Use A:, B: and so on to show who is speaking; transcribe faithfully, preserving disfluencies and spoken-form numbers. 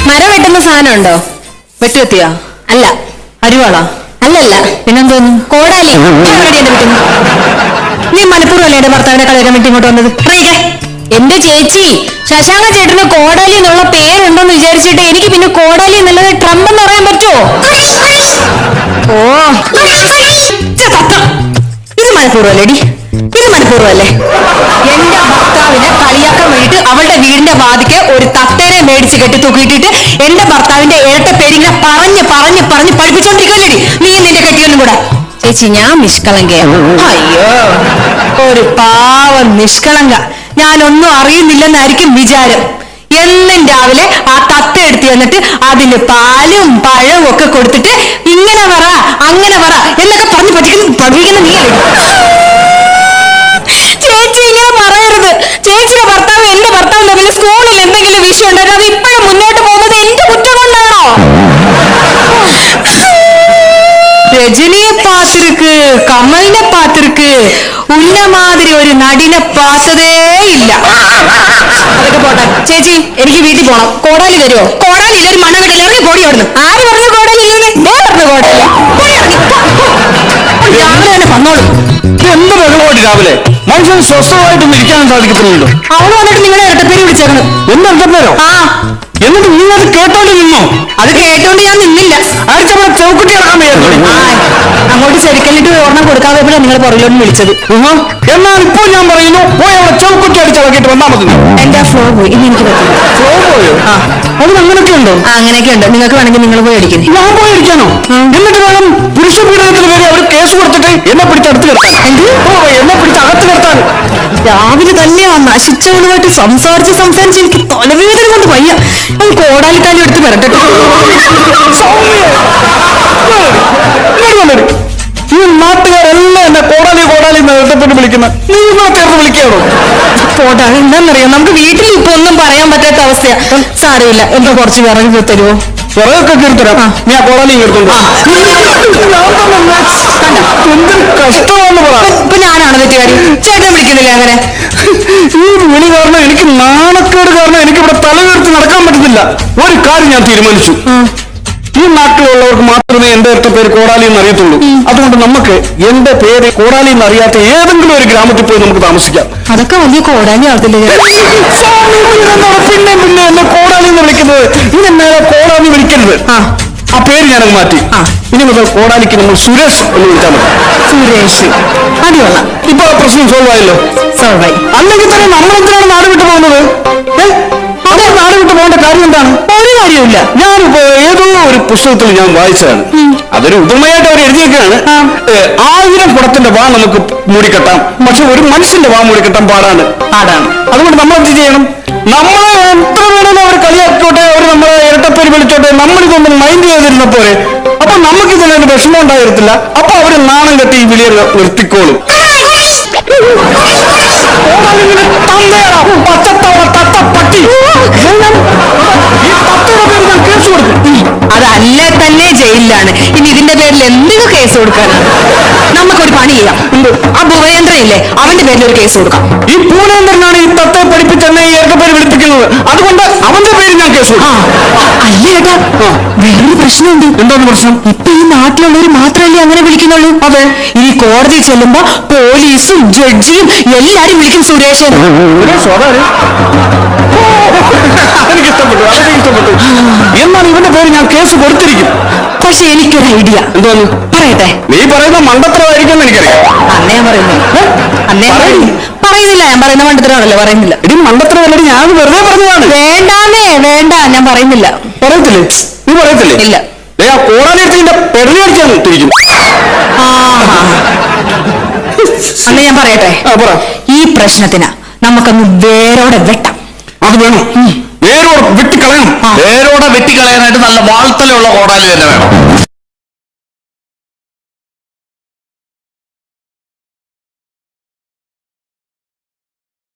A: മരം വെട്ടുന്ന സാധനം ഉണ്ടോ?
B: വെട്ടുകത്തിയാ?
A: അല്ല.
B: അരിവാളാ?
A: അല്ലല്ല.
B: പിന്നെന്തോന്നു?
A: കോടാലി.
B: നീ മനഃപൂർവ്വമല്ലേ എന്റെ ഭർത്താവിനെ കളയാൻ വേണ്ടി ഇങ്ങോട്ട് വന്നത്?
A: എന്റെ ചേച്ചി, ശശാങ്ക ചേട്ടന് കോടാലി എന്നുള്ള പേരുണ്ടെന്ന് വിചാരിച്ചിട്ട് എനിക്ക് പിന്നെ കോടാലി എന്നുള്ളത് ട്രംപ് എന്ന് പറയാൻ പറ്റുമോ?
B: ഓ, ഇത് മനഃപൂർവ്വല്ലേടി? ഇത് മനഃപൂർവ്വമല്ലേ? എന്റെ ഭർത്താവിനെ കളിയാക്കാൻ വേണ്ടിട്ട് അവളുടെ വീടിന്റെ വാതിക്ക് ഒരു തത്തേനെ മേടിച്ച് കെട്ടി തൂക്കിയിട്ടിട്ട് എന്റെ ഭർത്താവിന്റെ ഇരട്ട പേരിങ്ങനെ പറഞ്ഞ് പറഞ്ഞ് പറഞ്ഞ് പഠിപ്പിച്ചോണ്ടിരിക്കുമല്ലേടി നീ നിന്റെ കെട്ടിയൊന്നും കൂടെ.
A: ചേച്ചി, ഞാൻ നിഷ്കളങ്കയാണ്.
B: അയ്യോ, ഒരു പാവം നിഷ്കളങ്ക. ഞാനൊന്നും അറിയുന്നില്ലെന്നായിരിക്കും വിചാരം. എന്നും രാവിലെ ആ തത്ത എടുത്ത് വന്നിട്ട് അതിന് പാലും പഴവും ഒക്കെ കൊടുത്തിട്ട് ഇങ്ങനെ പറ അങ്ങനെ പറ എന്നൊക്കെ പറഞ്ഞ് പഠിക്കുന്ന പഠിപ്പിക്കുന്ന നീ
A: ചേച്ചി ഇങ്ങനെ പറയരുത്. ചേച്ചിയുടെ ഭർത്താവ് എന്റെ ഭർത്താവ് തമ്മിൽ സ്കൂളിൽ എന്തെങ്കിലും വിഷയം ഉണ്ടായിരുന്നു, അത് ഇപ്പോഴും മുന്നോട്ട് പോകുന്നത് എന്റെ കുറ്റം കൊണ്ടാണോ?
B: രജനിയെ പാത്തിருக்கு, കമലിനെ പാത്തിருக்கு, ഉന്ന മാതിരി ഒരു നടിനെ പാത്തതേ ഇല്ല. അതൊക്കെ പോട്ടെ ചേച്ചി, എനിക്ക് വീട്ടിൽ പോണം. കോടാലി തരുമോ? കോടാലി ഒരു മണ്ണ ഇറങ്ങി പോടി അവിടുന്ന്. ആര് പറഞ്ഞു കോടാലി ഇല്ലെന്ന്? ഞാൻ പറഞ്ഞു കോടാലി. രാവിലെ തന്നെ വന്നോളൂ.
C: എന്ത് വെള്ളമോടി രാവിലെ? മനുഷ്യന് സ്വസ്ഥമായിട്ടൊന്നും ഇരിക്കാനും സാധിക്കപ്പെടുന്നുണ്ടോ?
B: അവള് വന്നിട്ട് നിങ്ങളെ ഇരട്ടപ്പേര് വിളിച്ചേക്കണ്.
C: എന്ത് ഇരട്ടപ്പേരോ?
B: ആ,
C: എന്നിട്ട് നീ അത് കേട്ടോണ്ട് നിന്നോ?
B: അത് കേട്ടോണ്ട് ഞാൻ നിന്നില്ല.
C: അടിച്ചവിടെ ചൗക്കുട്ടി ഇറക്കാൻ വയ്യായിരുന്നു.
B: അങ്ങോട്ട് ചെരുക്കല്ലിട്ട് ഓർണം കൊടുക്കാതെ നിങ്ങൾ പുറകിലോട്ട് വിളിച്ചത്.
C: എന്നാൽ ഇപ്പോൾ ഞാൻ പറയുന്നു, പോയി അവിടെ ചൗക്കുട്ടി അടിച്ചിറക്കിയിട്ട് വന്നാൽ മതി.
B: എന്റെ ഫ്ലോ പോയി, ഇനി എനിക്ക് പറ്റില്ല.
C: ഫ്ലോ പോയോ?
B: ആ,
C: അതിന് അങ്ങനെയൊക്കെ ഉണ്ടോ?
B: ആ, അങ്ങനെയൊക്കെ ഉണ്ട്. നിങ്ങൾക്ക് വേണമെങ്കിൽ നിങ്ങൾ പോയി അടിക്കുന്നത്.
C: ഞാൻ പോയി അടിക്കാനോ? എന്നിട്ട് വേണം പുരുഷ പീഡനത്തിന് പേര് അവർ കേസ് കൊടുത്തിട്ട് എന്നെ പിടിച്ച് അടുത്ത് കിടത്താൻ. എന്ത്? ഓ, എന്നെ പിടിച്ച് അകത്ത് കിടത്താൻ.
B: രാവിലെ തന്നെ ആ നശിച്ചവളുമായിട്ട് സംസാരിച്ച് സംസാരിച്ച് എനിക്ക് തലവേദന കൊണ്ട് വയ്യ. ഞാൻ കോടാലിക്കാലി എടുത്ത് വരട്ടെ.
C: ഈ നാട്ടുകാരെല്ലാം എന്നെ കോടാലി കോടാലി നേരത്തെപ്പെട്ട് വിളിക്കുന്ന നീ ചേർത്ത് വിളിക്കാണോ?
B: പോട്ടെ, എന്താണെന്നറിയാം, നമുക്ക് വീട്ടിൽ ഇപ്പൊ ഒന്നും പറയാൻ പറ്റാത്ത അവസ്ഥയാ. സാരമില്ല, എന്തോ കുറച്ച് വിറകി തരുമോ?
C: വിറകൊക്കെ കീർത്തരാം. ഞാൻ കോടാലി കീർത്തുള്ളൂ. എന്തൊരു കഷ്ടമാണെന്ന് പറ.
B: ഇപ്പൊ ഞാനാണ് തെറ്റുകാരി. ചേട്ടൻ വിളിക്കുന്നില്ല അങ്ങനെ.
C: ഈ വിളി കാരണം എനിക്ക് നാണക്കേട് കാരണം എനിക്ക് ഇവിടെ തല ഉയർത്തി നടക്കാൻ പറ്റുന്നില്ല. ഒരു കാര്യം ഞാൻ തീരുമാനിച്ചു, ഈ നാട്ടിലുള്ളവർക്ക് മാത്രമേ എന്റെ അടുത്ത പേര് കോടാലി എന്ന് അറിയത്തുള്ളൂ. അതുകൊണ്ട് നമുക്ക് എന്റെ പേര് കോടാലി എന്ന് അറിയാത്ത ഏതെങ്കിലും ഒരു ഗ്രാമത്തിൽ പോയി നമുക്ക് താമസിക്കാം.
B: അതൊക്കെ വലിയ കോടാലി ആവത്തില്ലേ?
C: പിന്നെ പിന്നെ എന്നെ കോടാലി എന്ന് വിളിക്കുന്നത്, ഇതെന്നെ കോടാലി വിളിക്കരുത്. ആ പേര് ഞാനത് മാറ്റി. ഇനി മുതൽ കോടാലിക്ക് നമ്മൾ സുരേഷ് എന്ന് വിളിച്ചാൽ മതി.
B: സുരേഷ്, അടിയുള്ള.
C: ഇപ്പൊ ആ പ്രശ്നം സോൾവ് ആയല്ലോ.
B: സോൾവ് ആയി.
C: അല്ലെങ്കിൽ തന്നെ നമ്മളെന്തിനാണ് നാട് വിട്ടു പോകുന്നത്? അതേ നാട് വിട്ടു പോകേണ്ട കാര്യം എന്താണ്?
B: ഒരു കാര്യമില്ല.
C: ഞാനിപ്പോ ഏതോ ഒരു പുസ്തകത്തിൽ ഞാൻ വായിച്ചതാണ്. അതൊരു ഉപമയായിട്ട് അവർ എഴുതിയൊക്കെയാണ്. ആയിരം കുടത്തിന്റെ വാ നമുക്ക് മൂടിക്കെട്ടാം, പക്ഷെ ഒരു മനുഷ്യന്റെ വാ മൂടിക്കെട്ടാൻ പാടാണ് പാടാണ് അതുകൊണ്ട് നമ്മൾ എന്ത് ചെയ്യണം? നമ്മളെ എത്ര വേണമെങ്കിലും അവർ കളിയാക്കോട്ടെ, അവർ നമ്മളെ ഇരട്ടപ്പേര് വിളിച്ചോട്ടെ, നമ്മളിതൊന്നും മൈൻഡ് ചെയ്തിരുന്ന പോലെ അപ്പൊ നമുക്കിതിനൊരു വിഷമം ഉണ്ടായിരുന്നില്ല. അപ്പൊ അവര് നാണം കെട്ടി ഈ വിളിയെ നിർത്തിക്കോളും.
B: അതല്ല തന്നെ ജയിലിലാണ്. ഇനി ഇതിന്റെ പേരിൽ എന്തിനു കേസ് കൊടുക്കാനാണ്? നമുക്കൊരു പണി ചെയ്യാം. ആ ഭുവേന്ദ്രൻ ഇല്ലേ, അവന്റെ പേരിൽ ഒരു കേസ് കൊടുക്കാം.
C: ഈ ഭുവേന്ദ്രനാണ് ഈ തത്തെ പഠിപ്പിച്ച് എന്നെ ഈ ഇരട്ടപ്പേര് വിളിപ്പിക്കുന്നത്. അതുകൊണ്ട് അവന്റെ പേര് ഞാൻ കേസ് കൊടുക്കാം.
B: അല്ലേ ഏട്ടാ, വേറൊരു പ്രശ്നമുണ്ട്.
C: എന്താണ് പ്രശ്നം?
B: ഇപ്പൊ ഈ നാട്ടിലുള്ളവർ മാത്രമല്ലേ അങ്ങനെ വിളിക്കുന്നുള്ളൂ?
C: അതെ.
B: ഇനി കോടതി ചെല്ലുമ്പോ പോലീസും ജഡ്ജിയും എല്ലാരും വിളിക്കും സുരേഷൻ.
C: എനിക്ക് ഇഷ്ടപ്പെട്ടു, അതൊക്കെ ഇഷ്ടപ്പെട്ടു. എന്നാൽ ഇവന്റെ പേര് ഞാൻ കേസ് കൊടുത്തിരിക്കും.
B: പക്ഷെ എനിക്കൊരു ഐഡിയ.
C: എന്തോന്ന്
B: പറയട്ടെ?
C: നീ പറയുന്ന മണ്ടത്തരമായിരിക്കും എനിക്കറിയാം.
B: അന്നേ ഞാൻ പറയുന്നു. അന്നേ പറയുന്നില്ല. ഞാൻ പറയുന്ന മണ്ടത്തരമാണല്ലോ, പറയുന്നില്ല.
C: ഇനി മണ്ടത്തരമല്ല, ഞാൻ വെറുതെ പറഞ്ഞതാണ്.
B: വേണ്ടാന്നേ, വേണ്ട, ഞാൻ പറയുന്നില്ല.
C: പറയത്തില്ലേ? നീ പറയത്തില്ലേ?
B: ഇല്ല.
C: ആ കോടാലിന്റെ പെടലിയടിച്ചാണ് ഇട്ടിരിക്കും.
B: അന്ന് ഞാൻ പറയട്ടെ? ഈ പ്രശ്നത്തിന് നമുക്കങ്ങ് വേരോടെ വെട്ടാം.
C: അത് വേണം, വേരോടെ വെട്ടിക്കളയണം.
D: വേരോടെ വെട്ടിക്കളയാനായിട്ട് നല്ല വാൾത്തലുള്ള കോടാലി തന്നെ വേണം.